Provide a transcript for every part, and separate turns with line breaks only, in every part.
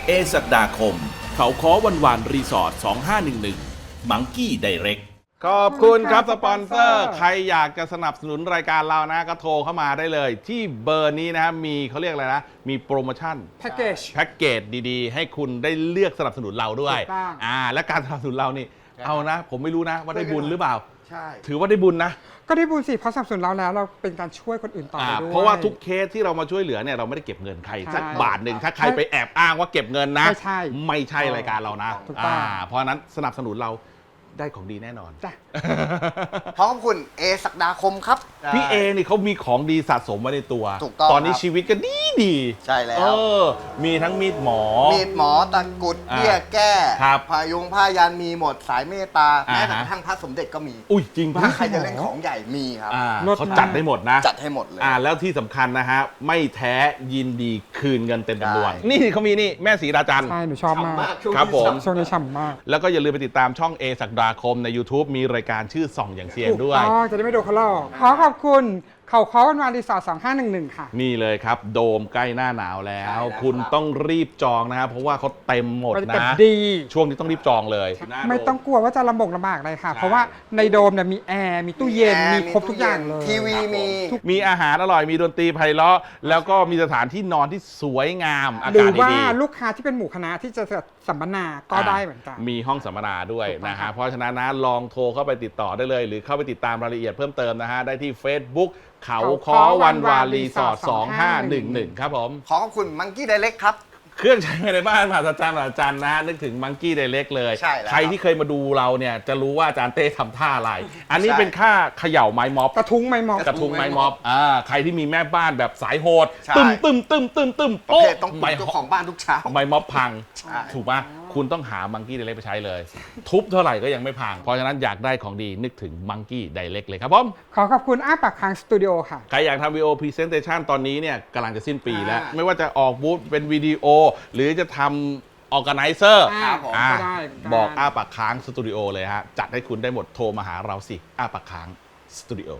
เอศักดาคม เขาค้อวันวานรีสอร์ท2511มังกี้ไดเรก
ขอบคุณครับสปอนเซอร์ใครอยากจะสนับสนุนรายการเรานะก็โทรเข้ามาได้เลย ที่เบอร์นี้นะครับมีเขาเรียกอะไรนะมีโปรโมชั่น
แพ็กเกจ
ดีๆ ให้คุณได้เลือกสนับสนุนเราด้วยและการสนับสนุนเรานี่เอานะผมไม่รู้นะว่าได้บุญหรือเปล่าใช่ถือว่าได้บุญนะ
ก็ได้บุญสิเพราะสนับสนุนเราแล้วเราเป็นการช่วยคนอื่นต่อด้วย
เพราะว่าทุกเคสที่เรามาช่วยเหลือเนี่ยเราไม่ได้เก็บเงินใครสักบาทหนึ่งถ้าใครไปแอบอ้างว่าเก็บเงินนะไม่ใช่รายการเรานะเพราะนั้นสนับสนุนเราได้ของดีแน่นอน
จ้ะ
ขอบคุณเอศักดาคมครับ
พี่เอนี่เขามีของดีสะสมไว้ในตัว
ถูกต้อง
ตอนนี้ชีวิตก็ดี
ใช่แล้ว
มีทั้งมีดหมอ
ตะกุดเบี้ยแก้พายุงผ้ายันมีหมดสายเมตตาแม้กระทั่งพระสมเด็จก็มี
อุ้ยจริงป่ะ
ถ้าใครจะเล่นของใหญ่มีครับ
เขาจัดได้หมดนะ
จัดให้หมดเลย
แล้วที่สำคัญนะฮะไม่แท้ยินดีคืนเงินเต็มจำนวนนี่เขามีนี่แม่ศรีราจันทร์
ใช่หนูชอบมาก
ครับผม
ช่วงนี้ฉ่ำมาก
แล้วก็อย่าลืมไปติดตามช่องเอศักดาคมใน YouTube มีรายการชื่อส่องอย่างเซียนด้วย
จะได้ไม่โดนเขาลอกขอขอบคุณเขาค้อวันวานรีสอร์ท2511ค่ะ
นี่เลยครับโดมใกล้หน้าหนาวแล้วคุณต้องรีบจองนะครับเพราะว่าเขาเต็มหมดนะช่วงนี้ต้องรีบจองเลย
ไม่ต้องกลัวว่าจะลำบากเลยค่ะเพราะว่าในโดมเนี่ยมีแอร์มีตู้เย็นมีครบทุกอย่างเลย
ทีวี
มีอาหารอร่อยมีดนตรีไพเราะแล้วก็มีสถานที่นอนที่สวยงามอากาศดี
หรือว่าลูกค้าที่เป็นหมู่คณะที่จะสัมมนาก็ได้เหมือนกัน
มีห้องสัมมนาด้วยนะฮะเพราะฉะนั้นนะลองโทรเข้าไปติดต่อได้เลยหรือเข้าไปติดตามรายละเอียดเพิ่มเติมนะฮะได้ที่ Facebook เขาค้อวันวานรีสอร์ท2511ครับผม
ขอบคุณมังกี้ไดเรกครับ
เครื่องใช้ในบ้านมหัศจรรย์อาจารย์นะนึกถึงมังกี้ไดเรกเลยใครที่เคยมาดูเราเนี่ยจะรู้ว่าอาจารย์เต้ทำท่าอะไรอันนี้เป็นค่าเขย่าไม้ม็อบ
กระทุ้งไม้ม็อบ
ใครที่มีแม่บ้านแบบสายโหดตึม
โอ้ต้องไปเจ้าของบ้านทุกเช้า
ไม้ม็อบพังถูกปะคุณต้องหามังกี้ไดเรกไปใช้เลยทุบเท่าไหร่ก็ยังไม่พังเพราะฉะนั้นอยากได้ของดีนึกถึงมังกี้ไดเรกเลยครับผม
ขอบคุณอ้าปากค้างสตูดิโอค่ะ
ใครอยากทำวิดีโอพรีเซนเทชันตอนนี้เนี่ยกำลังจะสิ้นปีแล้วไม่ว่าจะออกบูธเป็นวิดีโอหรือจะทำออร์แกไนเซอร์บอกอ้าปากค้างสตูดิโอเลยฮะจัดให้คุณได้หมดโทรมาหาเราสิอ้าปากค้างสตูดิโอ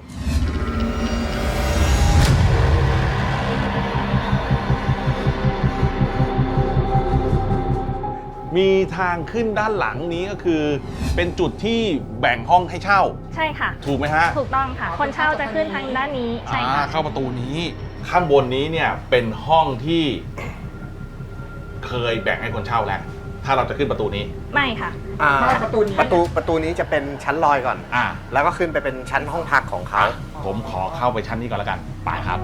มีทางขึ้นด้านหลังนี้ก็คือเป็นจุดที่แบ่งห้องให้เช่า
ใช่ค่ะ
ถูกไหมฮะ
ถูกต้องค่ะคนเช่าจะขึ้นทางด้านนี้ใช่ค่ะ
เข้าประตูนี้ข้างบนนี้เนี่ยเป็นห้องที่เคยแบ่งให้คนเช่าแล้วถ้าเราจะขึ้นประตูนี้
ไม่ค่ะ
ประตูนี้จะเป็นชั้นลอยก่อนแล้วก็ขึ้นไปเป็นชั้นห้องพักของเขา
ผมขอเข้าไปชั้นนี้ก่อนแล้วกันไปครับ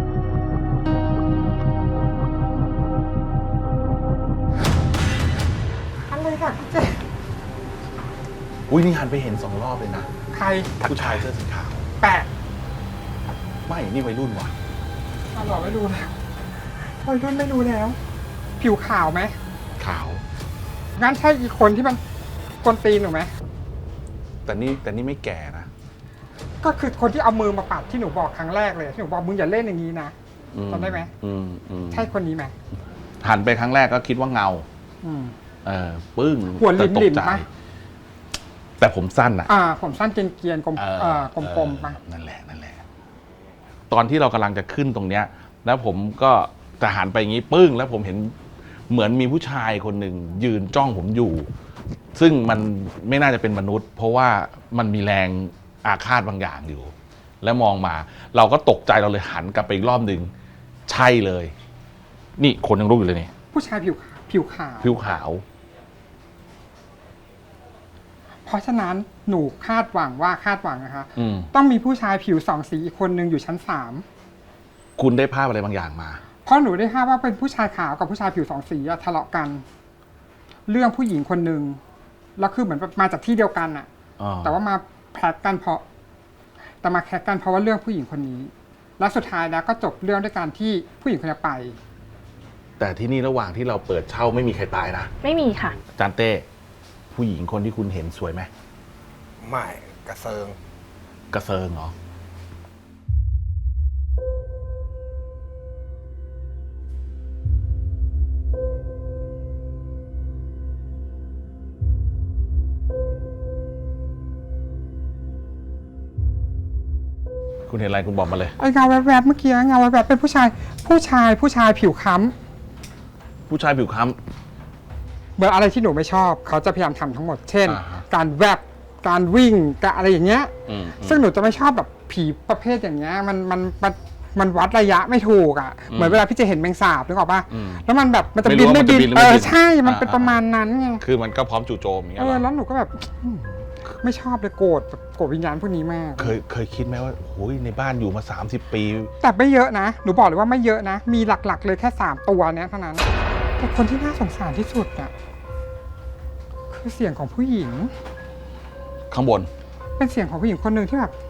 อุ้ยนี่หันไปเห็น2 รอบเลยนะ
ใคร
ผู้ชายเสื้อสีขาว
แปะ
ไม่นี่วัยรุ่นว่ะ
เราไม่รู้แล้ววัยรุ่นไม่รู้แล้วผิวขาวไหม
ขาว
งั้นใช่อีกคนที่มันกวนตีนหรือไหม
แต่นี่ไม่แก่นะ
ก็คือคนที่เอามือมาปัดที่หนูบอกครั้งแรกเลยที่หนูบอกมึงอย่าเล่นอย่างนี้นะจำได้ไหมใช่คนนี้ไหม
หันไปครั้งแรกก็คิดว่าเงาปึ้ง
หัวลิ้นๆปะ
แต่ผมสั้นอ่ะ
ผมสั้นเกรียนๆกลมๆปะ
นั่นแหละตอนที่เรากำลังจะขึ้นตรงเนี้ยแล้วผมก็จะหันไปอย่างนี้ปึ้งแล้วผมเห็นเหมือนมีผู้ชายคนหนึ่งยืนจ้องผมอยู่ซึ่งมันไม่น่าจะเป็นมนุษย์เพราะว่ามันมีแรงอาฆาตบางอย่างอยู่แล้วมองมาเราก็ตกใจเราเลยหันกลับไปอีกรอบหนึ่งใช่เลยนี่คนยังรู้อยู่เลยนี่
ผู้ชายผิวขาวเพราะฉะนั้นหนูคาดหวังนะคะต้องมีผู้ชายผิว2 สีอีกคนนึงอยู่ชั้น3
คุณได้ภาพอะไรบางอย่างมา
เพราะหนูได้ภาพว่าเป็นผู้ชายขาวกับผู้ชายผิว2 สีทะเลาะกันเรื่องผู้หญิงคนนึงแล้วคือเหมือนมาจากที่เดียวกันอะแต่ว่ามาแพ็กกันเพราะว่าเรื่องผู้หญิงคนนี้แล้วสุดท้ายแล้วก็จบเรื่องด้วยการที่ผู้หญิงคนนี้ไป
แต่ที่นี่ระหว่างที่เราเปิดเช่าไม่มีใครตายนะ
ไม่มีค่ะ
จานเต้ผู้หญิงคนที่คุณเห็นสวยไหม
ไม่กระเซิง
เหรอ คุณเห็นอะไรคุณบอกมาเลย
ไอ้เงาแวบๆเมื่อกี้เงาแวบๆเป็นผู้ชายผิวค้ำ
ผู้ชายผิวค้
มือนอะไรที่หนูไม่ชอบเขาจะพยายามทำทั้งหมด เช่น
อ่าฮะ
การแวบการวิ่งการอะไรอย่างเงี้ย
อืม
ซึ่งหนูจะไม่ชอบแบบผีประเภทอย่างเงี้ยมันวัดระยะไม่ถูกอ่ะเหมือนเวลาพี่จะเห็นแมงสาบนึกออกป่ะแล้วมันแบบมันจะบินไม่บิน
ไม่รู้ว่ามันจะบินหรือไม่บิน
ใช่มันเป็นประมาณนั้นไง
คือมันก็พร้อมจู่โจมอย่างเงี้ยเหรอ
แล้วหนูก็แบบไม่ชอบเลยโกรธแบบโกรธวิญญาณพวกนี้มาก
เคยคิดไหมว่าโอ้ยในบ้านอยู่มา30 ปี
แต่ไม่เยอะนะหนูบอกเลยว่าไม่เยอะนะมีหลักๆเลยแค่3ตัวเนี้ยเท่านั้นแต่คนที่น่าสงสารที่สุดอ่ะคือเสียงของผู้หญิง
ข้างบน
เป็นเสียงของผู้หญิงคนหนึ่งที่แบบ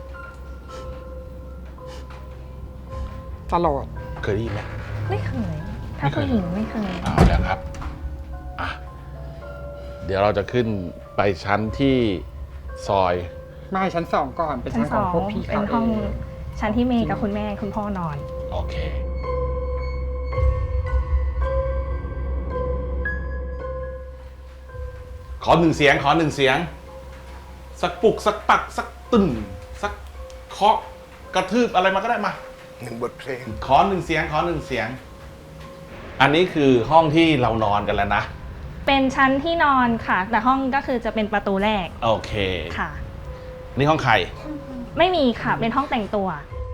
ตลอด
เคยได้ยินไหม
ไม่เคย ถ้าผู้หญิงไม่เคย
เอาแล้วครับอ่ะเดี๋ยวเราจะขึ้นไปชั้นที่ซอย
ไม่ชั้น2ก่อนเป็น
ชั้
ชั้
น
น
ส
ข
อ
อง
ง
พวกพี่
เป็
เขา
น
เอ
ห้อง
ง
ชั้นที่เมย์กับคุณแม่คุณพ่อนอน
โอเค ขอหนึ่งเสียง สักปลุกสักปักสักตึ้นสักเคาะกระทืบอะไรมาก็ได้มา
1 บทเพลง
ขอหนึ่งเสียง อันนี้คือห้องที่เรานอนกันแล้วนะ
เป็นชั้นที่นอนค่ะ แต่ห้องก็คือจะเป็นประตูแรก
โอเค
ค่ะ
นี่ห้องใคร
ไม่มีค่ะ เป็นห้องแต่งตัว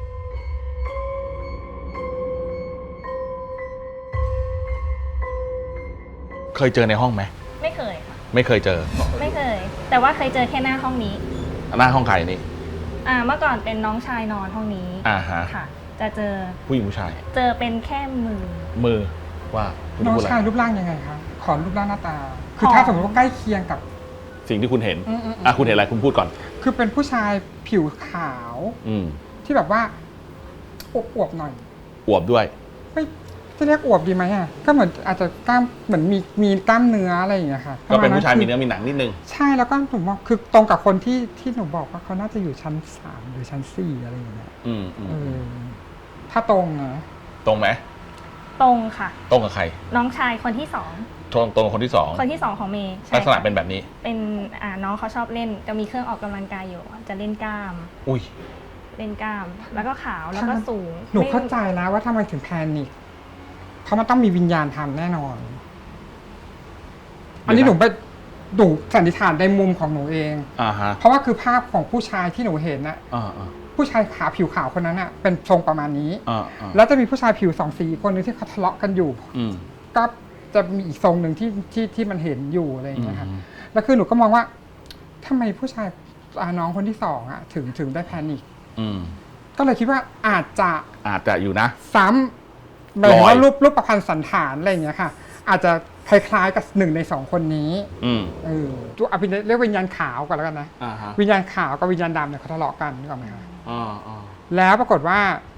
เคยเจอในห้องไหม
ไม่เคยค่ะ
ไม่เคยเจอ
ไม่เคย แต่ว่าเคยเจอแค่หน้าห้องนี้
หน้าห้องใครนี่
เมื่อก่อนเป็นน้องชายนอนห้องนี้
อ่าฮะ
ค่ะ จะเจอ
ผู้หญิงผู้ชาย
เจอเป็นแค่มือ
มือว่าคุณ
น้อง
พูดอะไร
ชายรูปร่างยังไงคะขอรูปร่างหน้าตา คือ
ขอ
ถ้าสมมติว่าใกล้เคียงกับ
สิ่งที่คุณเห็น
อืม
คุณเห็นอะไรคุณพูดก่อน
คือเป็นผู้ชายผิวขาว
อืม
ที่แบบว่าอวบๆหน่อย
อวบด้วย
ไม่จะเรียกอวบดีไหมอ่ะก็เหมือนอาจจะกล้ามเหมือนมีกล้ามเนื้ออะไรอย่างเงี้ยค่ะ
ก็เป็นผู้ชาย
ระ
มี
ณ
เนื้อมีหนังนิดนึง
ใช่แล้วก็หนูบอกคือตรงกับคนที่หนูบอกว่าเขาน่าจะอยู่ชั้น3หรือชั้น4อะไรอย่างเงี้ย
อืม
เออถ้าตรงนะ
ตรงไหม
ตรงค่ะ
ตรงกับใคร
น้องชายคนที่สอง
ตรงกับคนที่สอง
คนที่สองของเมย์ใช่
ลักษณะ
ค่ะ
เป็นแบบนี้
เป็นน้องเขาชอบเล่นจะมีเครื่องออกกำลังกายอยู่ จะเล่นกล้าม
อุ้ย
เล่นกล้าม แล้วก็ขาวแล้วก็สูง
หนู
ไม่
เข้าใจแล้วว่าทำไมถึงแพนิคเพราะมันต้องมีวิญญาณทำแน่นอน อันนี้หนูสันนิษฐานในมุมของหนูเอง
อ่าฮะ
เพราะว่าคือภาพของผู้ชายที่หนูเห็นนะ
อ่า
ผู้ชายผิวขาวคนนั้นอะเป็นทรงประมาณนี้ แล้วจะมีผู้ชายผิว2 สีคนหนึงที่เขาทะเลาะกันอยู่
อืม
ก็จะมีอีกทรงหนึ่งที่มันเห็นอยู่อะไรอย่างเงี้ยค่ะ
อืม
แล้วคือหนูก็มองว่าทำไมผู้ชายน้องคนที่2อะถึงได้แพนิค
อืม
ก็เลยคิดว่าอาจจะ
อยู่นะ
ซ้ำหมายถึงว่า
ลอย
รูปประพันธ์สันฐานอะไรอย่างเงี้ยค่ะ อาจจะคล้ายๆกับ1 ใน 2 คนนี้
อืม
ตัวอภิเรียกวิญญาณขาวก่อนแล้วกันนะ
อ่าฮะ
วิญญาณขาวกับวิญญาณดำเนี่ยเขาทะเลาะกันนึกออกไหมคะ
อ่า
แล้วปรากฏว่า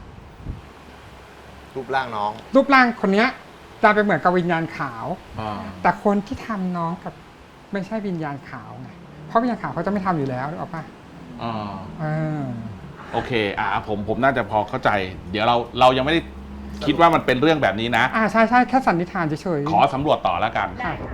รูปร่างน้อง
รูปร่างคนเนี้ยจะไปเหมือนกับวิญญาณขาว
อ่า
แต่คนที่ทำน้องกับไม่ใช่วิญญาณขาวไงเพราะวิญญาณขาวเขาจะไม่ทำอยู่แล้วนึกออกปะ
อ่า
เออ
โอเค ผมน่าจะพอเข้าใจ เดี๋ยวเรายังไม่ได้คิดว่ามันเป็นเรื่องแบบนี้นะ
ใช่แค่สันนิษฐานเฉยๆ
ขอสำรวจต่อแล้วกัน
ได้ค่ะ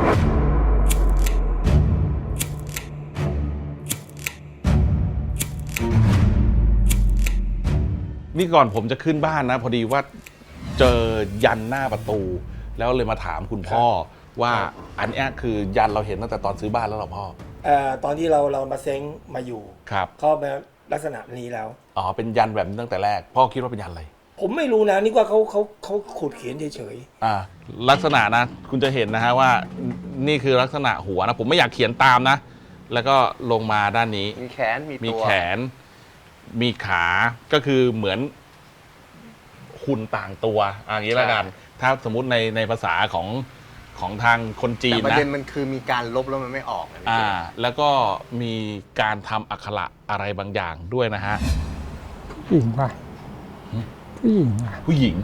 นี่ก่อนผมจะขึ้นบ้านนะ พอดีว่าเจอยันหน้าประตู แล้วเลยมาถามคุณพ่อว่าอันเนี้ยคือยันเราเห็นตั้งแต่ตอนซื้อบ้านแล้วเหรอพ่อ
ตอนที่เรามาเซ้งมาอยู่
ครับ
เขาเป็นลักษณะนี้แล้ว
อ๋อเป็นยันแบบนี้ตั้งแต่แรก พ่อคิดว่าเป็นยันอะไร
ผมไม่รู้นะนี่ว่าเขาขูดเขียนเฉย
ลักษณะนะ คุณจะเห็นนะฮะว่านี่คือลักษณะหัวนะ ผมไม่อยากเขียนตามนะ แล้วก็ลงมาด้านนี้
มีแขน มี
มี
ตัว
แขน มีขาก็คือเหมือนหุ่นต่างตัวอย่างนี้แล้วกัน ถ้าสมมุติในภาษาของทางคนจีน
แต่ประ
นะ
เด็นมันคือมีการลบแล้วมันไม่ออกนะพี่เจ
แล้วก็มีการทำอักขระอะไรบางอย่างด้วยนะฮะ
ผู้หญิงว่ะผู้หญิงว่ะ
ผู้หญิง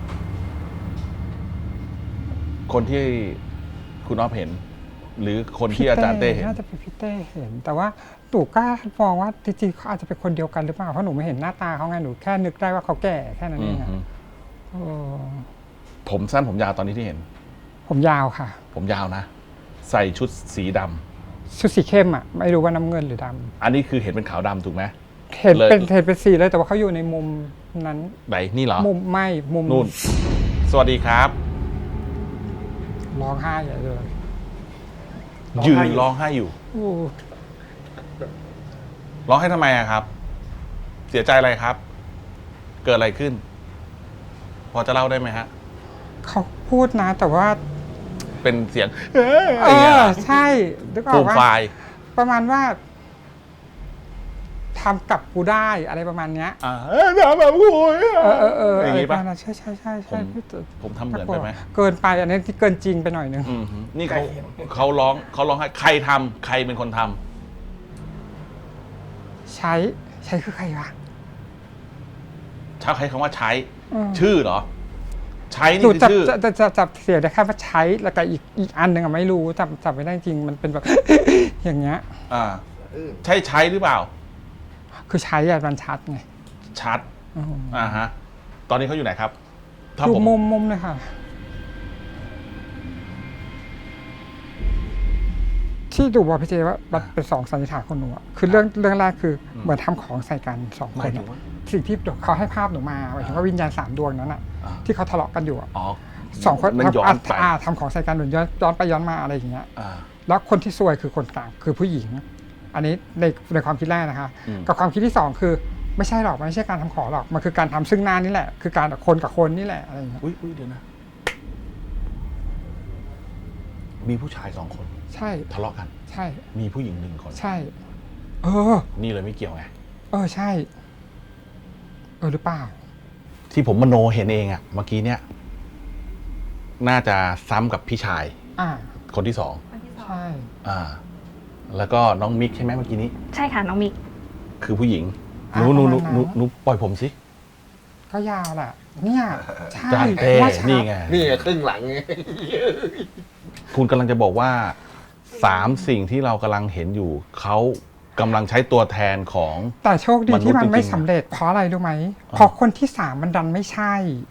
คนที่คุณอ๊อฟเห็น หรือคนที่อาจารย์เต้เห็น
น่าจะเป็นพี่เต้เห็น แต่ว่าตู่กล้ามองว่าจริงๆเขาอาจจะเป็นคนเดียวกันหรือเปล่าเพราะหนูไม่เห็นหน้าตาเขาไงหนูแค่นึกได้ว่าเขาแก่แค่นั้นเองอะ
อืม
เออ
ผมสั้นผมยาวตอนนี้ที่เห็น
ผมยาวค่ะ
ผมยาวนะ ใส่ชุดสีดำ
ชุดสีเข้มอ่ะไม่รู้ว่าน้ำเงินหรือดำ
อันนี้คือเห็นเป็นขาวดำถูกไหม
เห็นเป็น
เลย
เห็นเป็นสีเลยแต่ว่าเขาอยู่ในมุมนั้น
ไหนนี่เหรอ
มุมไม่มุม
นู่น สวัสดีครับ
ร้องไห้ใหญ่เลย
ยืนร้องไห้อยู่
โอ้
ร้องไห้ทำไมอะครับ เสียใจอะไรครับ เกิดอะไรขึ้น พอจะเล่าได้ไหมฮะ
เขาพูดนะ แต่ว่า
เป็นเสียง
ใช่นึกอ
ฟู
อก
ม
ว่า
ไฟาย
ประมาณว่าทำกับกูได้อะไรประมาณเนี้ย
ทำแบบกู
อย่าง
นี้ปะ
ใช่ใช่ใช่
ผม
พี่ตึก
ผมทำเหมือนไปไหม
เกินไปอันนี้ที่เกินจริงไปหน่อยนึง
นี่เขาร้องให้ใครทำใครเป็นคนทำ
ใช้คือใครวะ
ชักใช้คำว่าใช้
อืม
ชื่อเหรอ ใช้
หนู
นี่คือ
จับ
ชื่อ
จับเสียได้แค่ว่าใช้แล้วก็อีกอันหนึ่งอะไม่รู้จับไม่ได้จริงมันเป็นแบบ อย่างเงี้ย
ใช้หรือเปล่า
คือใช้อะมันชัดไง
ชัด
อืม
ฮะ ตอนนี้เขาอยู่ไหนครับ ถ้า
ดู
ผม
มุมเลยค่ะ ที่ดูว่าพี่เจว่ามันเป็นสองสันนิษฐานของหนูอะคือเรื่องแรกคือเหมือนทำของใส่กันสอง
ห
ค
มาย
น
ถึ
อะ
งว่า
สิ่งที่เขาให้ภาพหนูมาหมายถึงว่าวิญญาณ3 ดวงนั้นอะ
อ่า
ที่เขาทะเลาะกันอยู่อะ
อ๋อ
สองคน
มันย้อนไป
ทำของใส่กันหรือย้อนไปย้อนมาอะไรอย่างเงี้ย
อ่า
แล้วคนที่ซวยคือคนกลางคือผู้หญิง อันนี้ในความคิดแรกนะคะ
อืม
กับความคิดที่2คือไม่ใช่หรอกมันไม่ใช่การทำของหรอกมันคือการทำซึ่งหน้านี่แหละ คือการคนกับคนนี่แหละอะไรอย่างเงี้ย
อุ้ยเดี๋ยวนะ มีผู้ชาย2 คน
ใช่
ทะเลาะกัน
ใช่
มีผู้หญิง1 คน
ใช่ เออ
นี่เลยไม่เกี่ยวไง
ใช่ หรือเปล่า
ที่ผมมโนเห็นเองอะเมื่อกี้เนี่ย น่าจะซ้ำกับพี่ชาย
อ่า
คนที่
ใช่
2แล้วก็น้องมิกใช่ไหมเมื่อกี้นี้
ใช่ค่ะน้องมิก
คือผู้หญิงห
อ่า
นู
ประมาณนั้น
หนูปล่อยผมสิ
ก็ยาวแหละเนี่ยใช่
จานเต้
ว่าช้า
นี่ไง
นี่ครึ่งหลังไง
คุณกำลังจะบอกว่า3 สิ่งที่เรากำลังเห็นอยู่ เขากำลังใช้ตัวแทนของ
แต่โชคดีที่มันไม่
มนุษย์จริงๆ
สำเร็จเพราะอะไรรู้ไหมเพราะคนที่3มันดันไม่ใช่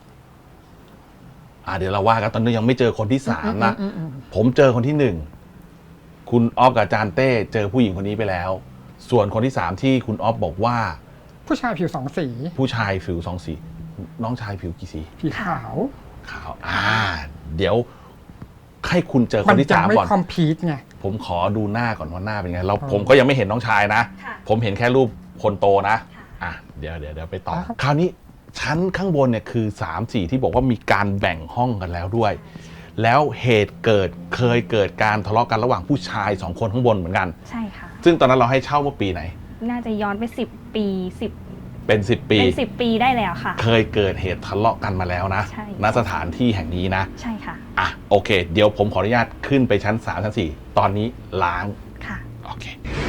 เดี๋ยวเราว่ากันตอนนี้ยังไม่เจอคนที่3นะ
อืม
ผมเจอคนที่1คุณออฟกับอาจารย์เต้เจอผู้หญิงคนนี้ไปแล้ว ส่วนคนที่3ที่คุณออฟบอกว่า
ผู้ชายผิว2 สี
ผู้ชายผิว2 สี น้องชายผิวกี่สี
ผิวขาว
ขาวเดี๋ยวให้คุณเจอค
มัน
ที่
ยัง
3
ไม่
ก่อน
คอมพีทไง
ผมขอดูหน้าก่อนว่าหน้าเป็นไงผมก็ยังไม่เห็นน้องชายนะ
ค่ะ
ผมเห็นแค่รูปคนโตนะ
ค่ะ
เดี๋ยวไปต่อ
ครับ
คราวนี้ชั้นข้างบนเนี่ยคือ3-4ที่บอกว่ามีการแบ่งห้องกันแล้วด้วย แล้วเหตุเคยเกิดการทะเลาะกันระหว่างผู้ชาย2 คนข้างบนเหมือนกัน
ใช่ค่ะ
ซึ่งตอนนั้นเราให้เช่าเมื่อปีไหน
น่าจะย้อนไป10 ปี10
เป็น10 ปี
เป็น10 ปีได้แล้วค่ะ
เคยเกิดเหตุทะเลาะกันมาแล้วนะ
ใช่
ณสถานที่แห่งนี้นะ
ใช่ค่ะ
โอเค เดี๋ยวผมขออนุญาตขึ้นไปชั้น3ชั้น4ตอนนี้ล้าง
ค่ะ
โอเค